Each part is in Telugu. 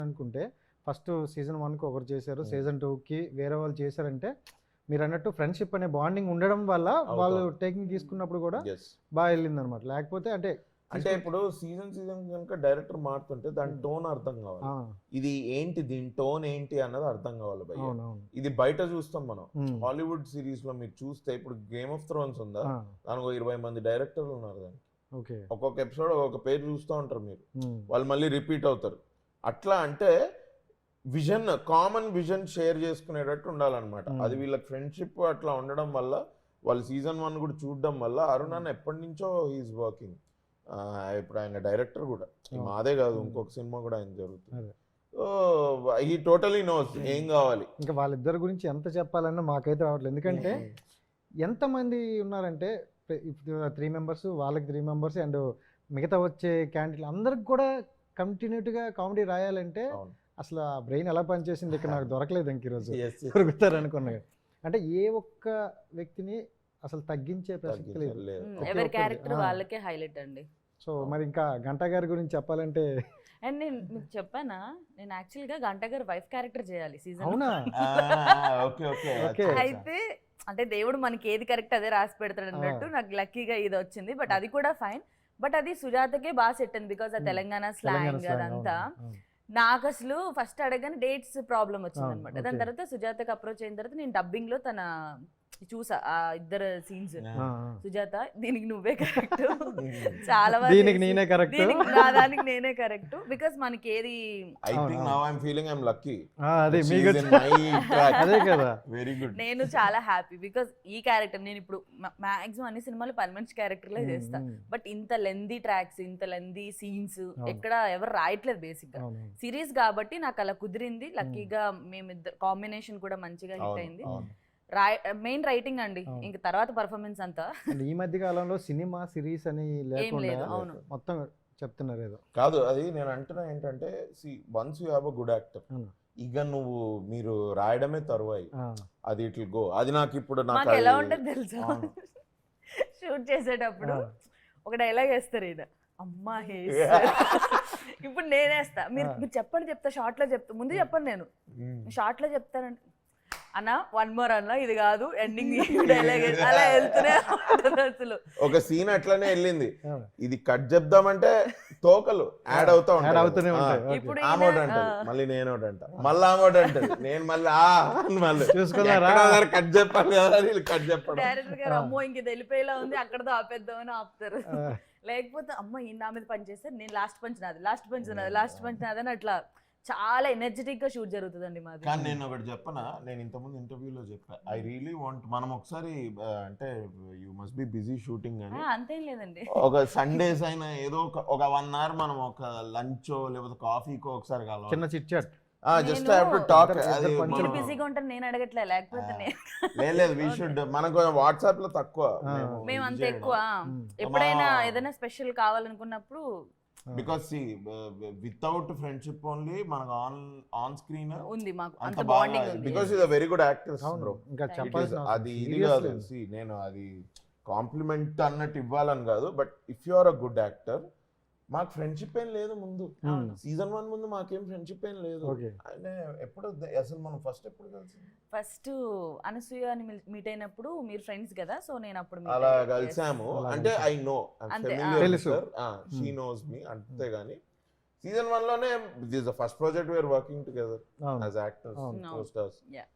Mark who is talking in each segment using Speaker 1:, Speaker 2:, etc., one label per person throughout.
Speaker 1: అనుకుంటే ఫస్ట్ సీజన్ 1కి ఒకరు చేశారు, సీజన్ 2కి వేరే వాళ్ళు చేశారంటే మీరు అన్నట్టు ఫ్రెండ్షిప్ అనే బాండింగ్ ఉండడం వల్ల వాళ్ళు టేకింగ్ తీసుకున్నప్పుడు కూడా బాగా వెళ్ళింది అనమాట. లేకపోతే
Speaker 2: అంటే ఇప్పుడు సీజన్ కనుక డైరెక్టర్ మారుతుంటే దాని టోన్ అర్థం కావాలి, ఇది ఏంటి దీని టోన్ ఏంటి అన్నది అర్థం కావాలి భయ్య. ఇది బయట చూస్తాం మనం, హాలీవుడ్ సిరీస్ లో మీరు చూస్తే ఇప్పుడు గేమ్ ఆఫ్ థ్రోన్స్ ఉందా, దానికి 20 మంది డైరెక్టర్లు ఉన్నారు, దానికి ఒక్కొక్క ఎపిసోడ్ ఒక్కొక్క పేరు చూస్తూ ఉంటారు మీరు, వాళ్ళు మళ్ళీ రిపీట్ అవుతారు. అట్లా అంటే విజన్, కామన్ విజన్ షేర్ చేసుకునేటట్టు ఉండాలన్నమాట. అది వీళ్ళకి ఫ్రెండ్షిప్ అట్లా ఉండడం వల్ల వాళ్ళు సీజన్ 1 కూడా చూడడం వల్ల అరుణ్ అన్న ఎప్పటి నుంచో హీఈస్ వర్కింగ్. ఇప్పుడు ఆయన డైరెక్టర్ కూడా, మాదే కాదు ఇంకొక సినిమా కూడా ఆయన జరుగుతుంది. సో హీ టోటలీ నోస్ ఏం కావాలి.
Speaker 1: ఇంకా వాళ్ళిద్దరి గురించి ఎంత చెప్పాలన్నా మాకైతే రావట్లేదు, ఎందుకంటే ఎంతమంది ఉన్నారంటే 3 మెంబర్స్, వాళ్ళకి 3 మెంబర్స్ అండ్ మిగతా వచ్చే క్యాండిడేట్లు అందరికి కూడా కంటిన్యూటీగా కామెడీ రాయాలంటే అసలు ఆ బ్రెయిన్ ఎలా పనిచేసింది ఇక్కడ నాకు దొరకలేదు ఇంక ఈరోజు దొరుకుతారు అనుకున్నా. అంటే ఏ ఒక్క వ్యక్తిని అసలు తగ్గించే ప్రసక్తి లేదు,
Speaker 3: ఎవరి క్యారెక్టర్ వాళ్ళకే హైలైట్ అండి.
Speaker 1: సో మరి ఇంకా గంటా గారి గురించి చెప్పాలంటే,
Speaker 3: అండ్ నేను మీకు చెప్పానా, నేను యాక్చువల్గా గంటా గారు వైఫ్ క్యారెక్టర్ చేయాలి సీజన్.
Speaker 1: అవునా?
Speaker 3: అయితే అంటే దేవుడు మనకి ఏది కరెక్ట్ అదే రాసి పెడతాడు అన్నట్టు నాకు లక్కీగా ఇది వచ్చింది. బట్ అది కూడా ఫైన్, బట్ అది సుజాతకే బాగా సెట్ అయింది బికాస్ ఆ తెలంగాణ స్లాంగ్ అదంతా. నాకు అసలు ఫస్ట్ అడగని డేట్స్ ప్రాబ్లం వచ్చింది అనమాట. దాని తర్వాత సుజాతకి అప్రోచ్ అయిన తర్వాత నేను డబ్బింగ్ లో తన చూసా ఆ ఇద్దరు సీన్స్. సుజాత దీనికి నువ్వే కరెక్ట్, చాలా
Speaker 1: దీనికి నేనే కరెక్ట్,
Speaker 3: దానికి నేనే కరెక్ట్, బికాస్ మనకి ఏది నేను చాలా హ్యాపీ బికాస్ ఈ క్యారెక్టర్ నేను ఇప్పుడు మాక్సిమం అన్ని సినిమాలు పర్మనెంట్ క్యారెక్టర్ లే చేస్తా. బట్ ఇంత లెందీ ట్రాక్స్, ఇంత లెందీ సీన్స్ ఎక్కడ ఎవరు రాయట్లేదు బేసిక్ గా. సిరీస్ కాబట్టి నాకు అలా కుదిరింది. లక్కీగా మేమిద్దరు కాంబినేషన్ కూడా మంచిగా హిట్ అయింది. మెయిన్ రైటింగ్ అండి, ఇంక తర్వాత పర్ఫార్మెన్స్ అంతా.
Speaker 1: ఈ మధ్య కాలంలో సినిమా సిరీస్ అని లేకుండా మొత్తం చెప్తున్నారు ఏదో
Speaker 2: కాదు. అది నేను అంటున్నా ఏంటంటే, once you have a good actor, ఇక నువ్వు మీరు రాయడమే తరువాయి, అది ఇట్ విల్ గో. అది నాకు ఇప్పుడు
Speaker 3: నాకు ఎలా ఉంటుంది తెలుసా, షూట్ చేసేటప్పుడు ఒక డైలాగ్ వేస్తారు ఈయన, అమ్మా ఇప్పుడు నేనేస్తా, మీరు చెప్పండి, చెప్తా షార్ట్ లో చెప్తా, ముందు చెప్పండి, నేను షార్ట్ లో చెప్తానంటే అన్న 1 more అన్న, ఇది కాదు ఎండింగ్ డైలాగ్, అలా వెళ్తూనే అసలు
Speaker 2: ఒక సీన్ అట్లనే వెళ్ళింది. ఇది కట్ చెప్దామంటే తోకలు యాడ్ అవుతా ఉంటాయి. ఇప్పుడు ఆమోడ్ అంటది, మళ్ళీ నేను అంట, మళ్ళీ ఆమోడ్ అంటది, నేను మళ్ళీ కట్ చెప్పాలి కదా, కట్ చెప్పడం.
Speaker 3: డైరెక్టర్ గారు అమ్మో ఇంక వెళ్ళిపోయేలా ఉంది, అక్కడతో ఆపేద్దామని ఆపుతారు. లేకపోతే అమ్మ ఈ నా మీద పని చేస్తే నేను లాస్ట్ పంచ్ నాది, లాస్ట్ పంచ్ నాది, లాస్ట్ పంచ్ నాది అని అట్లా చాలా ఎనర్జెటిక్ గా షూట్ జరుగుతుందండి మాది.
Speaker 2: కానీ నేను ఒకటి చెప్పనా, నేను ఇంతకుముందు ఇంటర్వ్యూలో చెప్పా, ఐ రియలీ వాంట్ మనం ఒకసారి అంటే you must be busy shooting అని,
Speaker 3: అంతేం లేదండి,
Speaker 2: ఒక సండేస్ అయినా ఏదో ఒక 1 hour మనం ఒక లంచో లేకపోతే కాఫీకో ఒకసారి కలవాలి,
Speaker 1: చిన్న chit chat,
Speaker 2: just have to talk. అది
Speaker 3: బిజీగా ఉంటాను నేను అడగట్లే, లేకపోతే
Speaker 2: లేదు వి షుడ్. మనకు వాట్సాప్ లో తక్కువ,
Speaker 3: మేము అంత ఎక్కువ. ఎప్పుడైనా ఏదైనా స్పెషల్ కావాలనుకున్నప్పుడు,
Speaker 2: బికాస్ వితౌట్ ఫ్రెండ్షిప్ ఓన్లీ మనకు ఆన్ స్క్రీన్
Speaker 3: ఉంది మాకు అంత బాండింగ్ ఉంది.
Speaker 2: Because is a very good actor bro.
Speaker 1: ఇంకా చెప్పాల్సిన
Speaker 2: అది ఇది కాదు, నేను అది కాంప్లిమెంట్ అన్నట్టు ఇవ్వాలని కాదు, but if you are a good actor, మాకు ఫ్రెండ్షిప్ ఏం లేదు ముందు, సీజన్ 1 ముందు మాకేం ఫ్రెండ్షిప్ ఏం లేదు. ఎప్పుడు అసలు మనం ఫస్ట్ ఎప్పుడు కలిసి,
Speaker 3: ఫస్ట్ అనసూయ అని మీట్ అయినప్పుడు మీరు ఫ్రెండ్స్ కదా, సో నేను అప్పుడు
Speaker 2: అలా కలిసాము. అంటే I know she knows me, అంతే. గానీ సీజన్ 1 లోనే this the first project we're working together as actors, co-stars,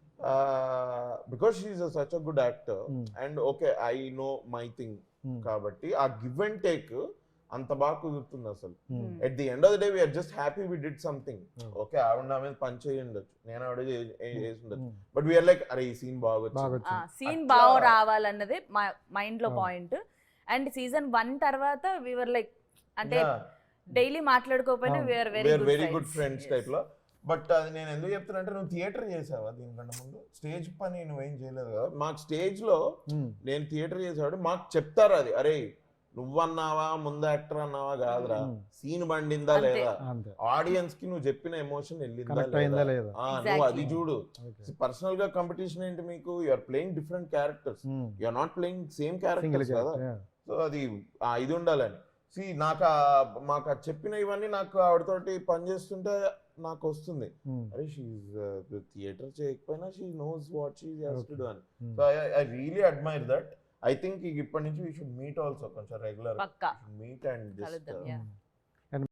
Speaker 2: because she is such a good actor and okay I know my thing. కాబట్టి ఆ గివ్ అండ్ టేక్ అంత బాగా కుదురుతుంది అసలు. At the end of the day we're just happy we did something. Okay ఆవిడ నా మీద పని చేయి ఉండొచ్చు, నేను ఆవిడ చేసి ఉండొచ్చు, బట్ వీఆర్ లైక్ అరే ఈ సీన్ బాగా
Speaker 3: సీన్ బాగా రావాలన్నదే మైండ్ లో పాయింట్. అండ్ సీజన్ 1 తర్వాత వీఆర్ లైక్, అంటే డైలీ మాట్లాడుకోకపోయినా we're
Speaker 2: very good friends type లో. బట్ అది నేను ఎందుకు చెప్తున్నా అంటే, నువ్వు థియేటర్ చేసావా దీనికంటే ముందు? స్టేజ్ పని నువ్వేం చేయలేదు కదా. మాకు స్టేజ్ లో నేను థియేటర్ చేసేవాడు, మాకు చెప్తారు అది, అరే నువ్వన్నావా ముందు యాక్టర్ అన్నావా కాదురా, సీన్ బండిందా లేదా, ఆడియన్స్ కి నువ్వు చెప్పిన ఎమోషన్ వెళ్ళిందా లేదా, నువ్వు అది చూడు. పర్సనల్ గా కాంపిటీషన్ ఏంటి మీకు, you're playing different characters, you're not playing same characters కదా. సో అది ఇది ఉండాలని. మాకు చెప్పిన ఇవన్నీ నాకు ఆవిడతోటి పనిచేస్తుంటే నాకు వస్తుంది, అరే షీఈ్ థియేటర్ చేయకపోయినా she knows what she has to do అని. So I really admire that. I think ఇప్పటి నుంచి వీ షుడ్ మీట్ ఆల్సో కొంచెం రెగ్యులర్
Speaker 3: పక్కా
Speaker 2: మీట్ అండ్
Speaker 3: కలుద్దాం.
Speaker 2: జస్ట్